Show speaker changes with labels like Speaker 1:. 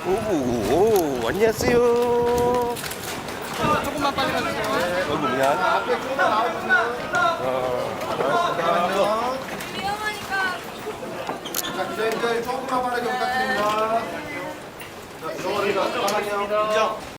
Speaker 1: 오, 안녕하세요.
Speaker 2: 조금만 빨리 가주세요.
Speaker 1: 여기 뭐냐?
Speaker 3: 앞에 조금 나와주세요. 잠깐만요.
Speaker 4: 위험하니까.
Speaker 3: 자, 기자님들 조금만 빠르게 부탁드립니다. 자, 저거를 잠깐만요. 인정.